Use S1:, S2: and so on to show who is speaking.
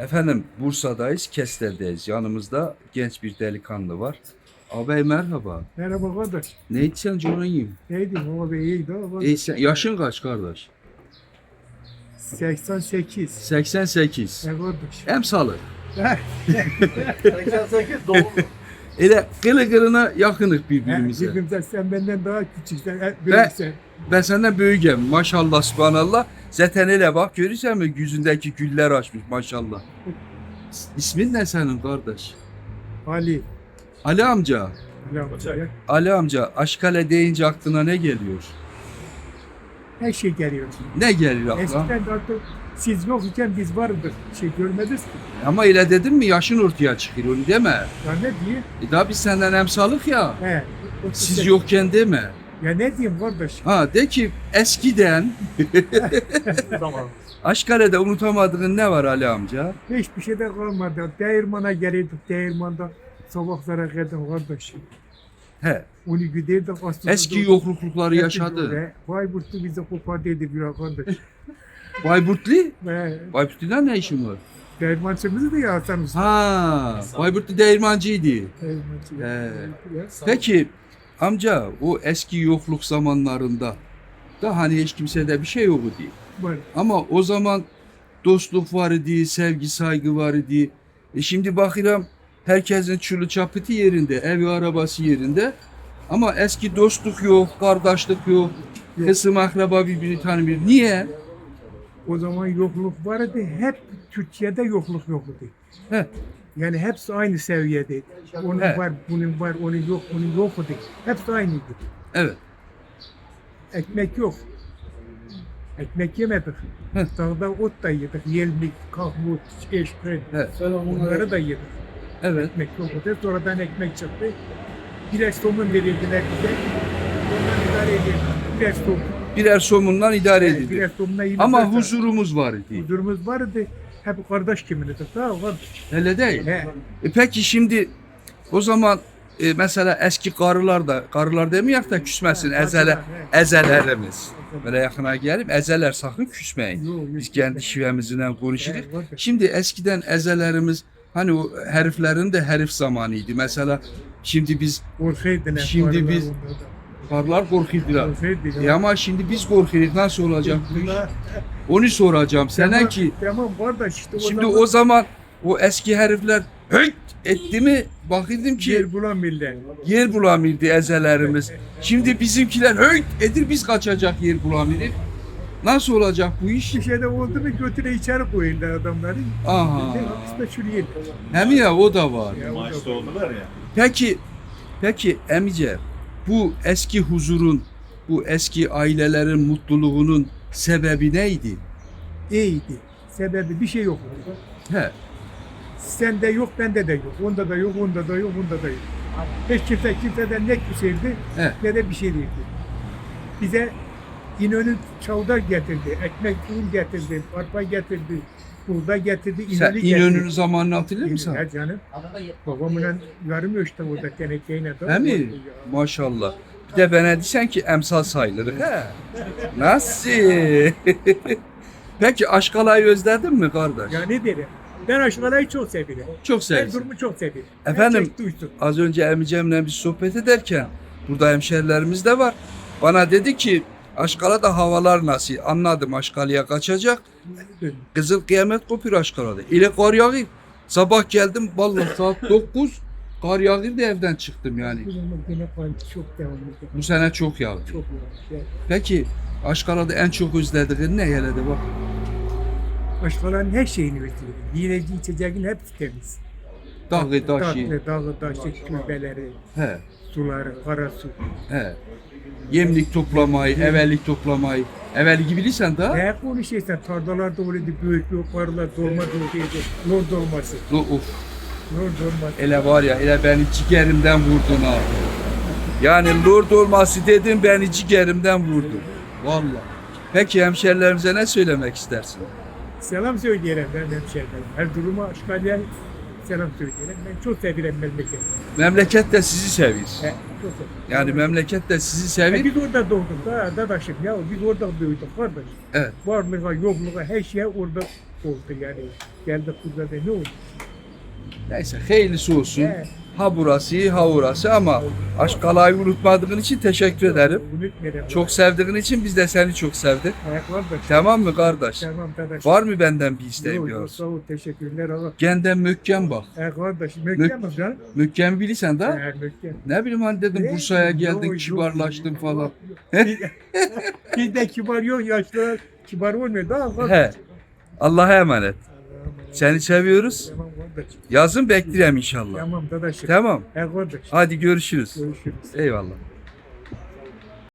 S1: Efendim Bursa'dayız, Kestel'deyiz. Yanımızda genç bir delikanlı var. Ağabey merhaba.
S2: Merhaba kardeş.
S1: Ne içsen canın yiyeyim.
S2: Neydi baba iyiydi ama
S1: Yaşın kaç kardeş?
S2: 88.
S1: 88.
S2: Ne kardeş?
S1: Emsalı.
S2: 88 doğum.
S1: Elə qılı qılına yaxınıq bir-birimizə.
S2: Birbirimize sen benden daha küçüksen, büyüksen.
S1: Ben senden böyükəm. Maşallah, subhanallah. Zaten elə bax, görürsənmi yüzündəki güllər açmış maşallah. İsmin nə sənin qardaş?
S2: Ali.
S1: Ali amca.
S2: Ali.
S1: Ali amca, Aşkale deyince aklına ne geliyor?
S2: Her şey geliyor.
S1: Ne gelir aklına?
S2: Eskiden artık siz yokken biz vardık. Görmediniz ki.
S1: Ama elə dedim mi yaşın ortaya çıkıyor onu deme.
S2: Ya ne diyeyim?
S1: Daha biz senden emsalıq ya.
S2: He.
S1: Siz yokken deme.
S2: Ya ne diyeyim kardeş?
S1: Ha de ki eskiden Aşkale'de unutamadığın ne var Ali amca?
S2: Hiçbir şey de kalmadı. Değirmana gelirdik. Değirmanda sabahlara kadar kardeş.
S1: He.
S2: Onu giderdik aslında.
S1: Eski yoklukları yaşadı.
S2: Bayburt'u bize kopardıydı bir kardeş.
S1: Bayburtlu?
S2: Ve
S1: Bayburtlu'dan ne işin var?
S2: değirmancımızı da yazsanız.
S1: Ha, Bayburtlu değirmancıydı.
S2: Değirmancı.
S1: He. Peki amca o eski yokluk zamanlarında da hani hiç kimsede bir şey yok idi.
S2: Var.
S1: Ama o zaman dostluk var idi, sevgi saygı var idi. Şimdi bakıram herkesin çulu çapıtı yerinde, evi arabası yerinde. Ama eski dostluk yok, kardeşlik yok. Kısım akraba birbirini tanımıyor. Niye?
S2: O zaman yokluk vardı. Hep Türkiye'de yokluk yoktu.
S1: Heh.
S2: Yani hepsi aynı seviyedeydi. Onun
S1: He.
S2: var, bunun var, onun yok, bunun yoktu. Hepsi aynıydı.
S1: Evet.
S2: Ekmek yok. Ekmek yemedik.
S1: Heh.
S2: Dağda ot da yedik. Yelmik, kahmut, eşkren.
S1: Evet.
S2: Bunları da yedik.
S1: Evet.
S2: Ekmek yoktu. Sonradan ekmek çıktı. Birer somun verildiler bize. Ondan idare edildi. Birer somun.
S1: Birer somundan idare
S2: Yani
S1: edildi.
S2: birer somunla yine
S1: Ama
S2: zaten
S1: huzurumuz var idi.
S2: huzurumuz vardı. Hep kardeş kimini de. Sağ ol kardeş.
S1: Öyle değil.
S2: He.
S1: Peki şimdi o zaman mesela eski karılar demeyek de küsmesin ezelerimiz. Böyle yakına gelip ezeler sakın küsmeyin.
S2: Yok, yok,
S1: Biz kendi şivemizle konuşuruz.
S2: Evet.
S1: Şimdi eskiden ezelerimiz hani o heriflerin de herif zamanıydı. Mesela şimdi biz
S2: Korkuydular.
S1: Şimdi
S2: karılar
S1: biz-
S2: onlardan.
S1: karılar korkuyorlar.
S2: Korkuydular.
S1: Ama şimdi biz korkuyoruz. Nasıl olacak bu iş? Onu soracağım. Sana
S2: Tamam,
S1: ki
S2: Tamam kardeş işte
S1: şimdi o zaman o eski herifler hıt etti mi bakıyordum ki
S2: yer bulamıyorlar.
S1: yer bulamıyordu ezelerimiz. Şimdi bizimkiler hıt edir biz kaçacak yer bulamıyoruz. Nasıl olacak bu iş?
S2: Bir şey de oldu mu götüne içeri koyuyorlar adamları.
S1: Aha.
S2: Hapiste çürüyor.
S1: Hem ya o da var.
S2: Ya, o da-
S3: Maaşta oldular ya.
S1: Peki emice bu eski huzurun, bu eski ailelerin mutluluğunun sebebi neydi?
S2: İyiydi. Sebebi bir şey yok.
S1: He.
S2: Sende yok, bende de yok. Onda da yok, onda da yok, onda da yok. Hiç kimseden ne küseydi
S1: Evet.
S2: ne de bir şey değildi. Bize İnönü çavdar getirdi, ekmek un getirdi, arpa getirdi, buğday getirdi,
S1: Sen
S2: İnönü getirdi.
S1: İnönü'nün zamanını hatırlıyor musun?
S2: Ya canım. Babamla yarım ölçtü orada tenekeyle.
S1: He mi? Maşallah. Bir de bana desen ki emsal sayılır. He. Nasıl? Peki Aşkala'yı özledin mi kardeş?
S2: Ya ne derim? Ben aşılamayı çok severim.
S1: Çok
S2: Her
S1: sevdim.
S2: durumu çok severim.
S1: Efendim?
S2: Herkes duysun.
S1: Az önce emicemle bir sohbet ederken burada hemşerilerimiz de var. Bana dedi ki Aşkala'da havalar nasıl? Anladım Aşkala'ya kaçacak. Kızıl kıyamet kopuyor Aşkala'da. İle kar yağıyor. Sabah geldim vallahi saat 9 kar yağıyor da evden çıktım yani.
S2: Bu zaman gene kan çok devam ediyor.
S1: Bu sene çok yağdı.
S2: Çok yani.
S1: Peki Aşkala'da en çok özlediğin ne hele de bak.
S2: Aşkaların her şeyini özlüyorum. Yiyeceği içeceğin hepsi temiz.
S1: Dağı taşı.
S2: Dağı taşı, külbeleri,
S1: He.
S2: suları, kara su.
S1: He. Yemlik toplamayı, evellik toplamayı. Evvelki bilirsen da.
S2: Ne konuşuyorsun? Tarlalarda öyleydi büyük yukarılar dolma doluydu. Lor dolması.
S1: Of.
S2: Lor dolması.
S1: Ele var ya, ele beni ciğerimden vurdun ha. Yani lord olması dedim beni ciğerimden vurdun. Vallahi. Peki hemşerilerimize ne söylemek istersin?
S2: Selam söyleyelim ben hemşehrilerim. Her duruma aşkalya selam söyleyelim. Ben çok severim memleketi.
S1: Memleket de sizi seviyor.
S2: He, çok severim.
S1: Yani memleket de sizi seviyor.
S2: Biz orada doğduk da dadaşım ya biz orada büyüdük kardeş.
S1: Evet.
S2: Varlığa, yokluğa her şeye orada oldu yani. Geldik burada da ne oldu?
S1: Neyse hayırlısı olsun.
S2: He.
S1: Ha burası ha orası ama Aşkala'yı unutmadığın için teşekkür ederim.
S2: Unutmayalım.
S1: Çok sevdiğin için biz de seni çok sevdik.
S2: Kardeş.
S1: Tamam mı kardeş?
S2: Tamam kardeş.
S1: Var mı benden bir isteğin
S2: Yok,
S1: bir
S2: yok,
S1: arzu?
S2: sağ ol, teşekkürler ama.
S1: Genden mökken bak.
S2: Kardeş, mükemmel lan.
S1: Mökken bilirsen de.
S2: Mükemmel.
S1: Ne bileyim hani dedim Bursa'ya geldin
S2: Yok,
S1: kibarlaştın
S2: yok,
S1: falan.
S2: yok. Bizde kibar yok, yaşlılar kibar olmuyor. Daha fazla.
S1: He. Allah'a emanet. Seni seviyoruz.
S2: Tamam kardeş.
S1: Yazın beklerim inşallah.
S2: Tamam kardeş.
S1: Tamam.
S2: Kardeş.
S1: Hadi görüşürüz.
S2: Görüşürüz.
S1: Eyvallah.